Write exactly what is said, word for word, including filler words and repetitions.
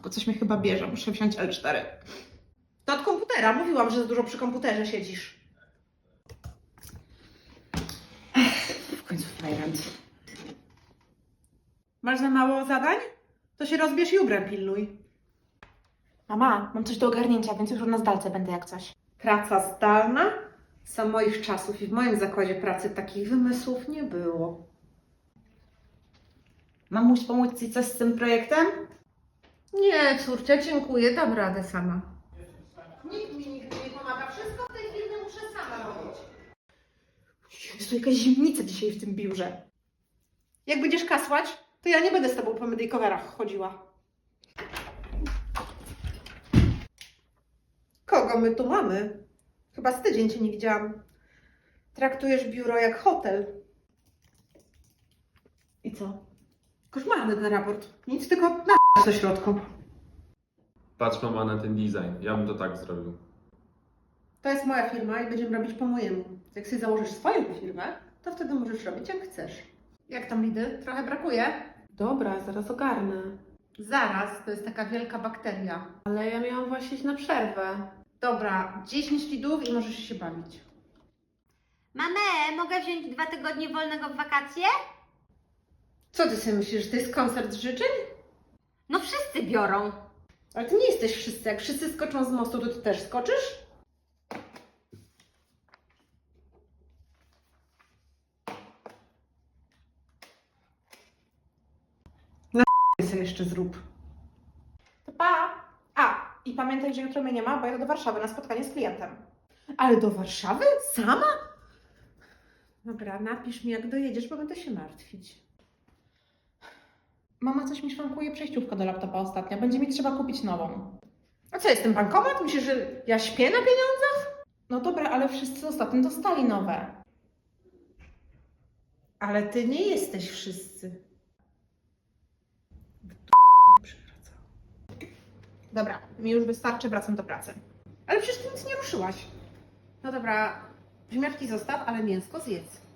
matko, coś mnie chyba bierze, muszę wziąć L cztery. To od komputera, mówiłam, że za dużo przy komputerze siedzisz. Ech, w końcu fajrant. Masz za mało zadań? To się rozbierz i ubrę pilnuj. Mama, mam coś do ogarnięcia, więc już na zdalce będę jak coś. Praca zdalna? Za moich czasów i w moim zakładzie pracy takich wymysłów nie było. Mamuś, pomóc Ci coś z tym projektem? Nie, córcia, dziękuję, dam radę sama. Nikt mi nigdy nie pomaga, wszystko w tej chwili muszę sama robić. Jezu, jakaś zimnica dzisiaj w tym biurze. Jak będziesz kasłać, to ja nie będę z tobą po medykowerach chodziła. Kogo my tu mamy? Chyba z tydzień cię nie widziałam. Traktujesz biuro jak hotel. I co? Koszmarny ten raport. Nic, tylko na do środku. Patrz mama na ten design, ja bym to tak zrobił. To jest moja firma i będziemy robić po mojemu. Jak sobie założysz swoją firmę, to wtedy możesz robić jak chcesz. Jak tam lidy? Trochę brakuje? Dobra, zaraz ogarnę. Zaraz, to jest taka wielka bakteria. Ale ja miałam właśnie iść na przerwę. Dobra, dziesięć lidów i możesz się bawić. Mamę, mogę wziąć dwa tygodnie wolnego w wakacje? Co ty sobie myślisz, że to jest koncert życzeń? No wszyscy biorą. Ale ty nie jesteś wszyscy. Jak wszyscy skoczą z mostu, to ty też skoczysz? Na sobie jeszcze zrób. To pa! A, i pamiętaj, że jutro mnie nie ma, bo jadę do Warszawy na spotkanie z klientem. Ale do Warszawy? Sama? Dobra, napisz mi jak dojedziesz, bo będę się martwić. Mama coś mi szwankuje przejściówkę do laptopa ostatnio. Będzie mi trzeba kupić nową. A co, jestem bankomat? Myślisz, że ja śpię na pieniądzach? No dobra, ale wszyscy ostatnio dostali nowe. Ale ty nie jesteś wszyscy. Dobra, mi już wystarczy, wracam do pracy. Ale przecież ty nic nie ruszyłaś. No dobra, ziemniaczki zostaw, ale mięsko zjedz.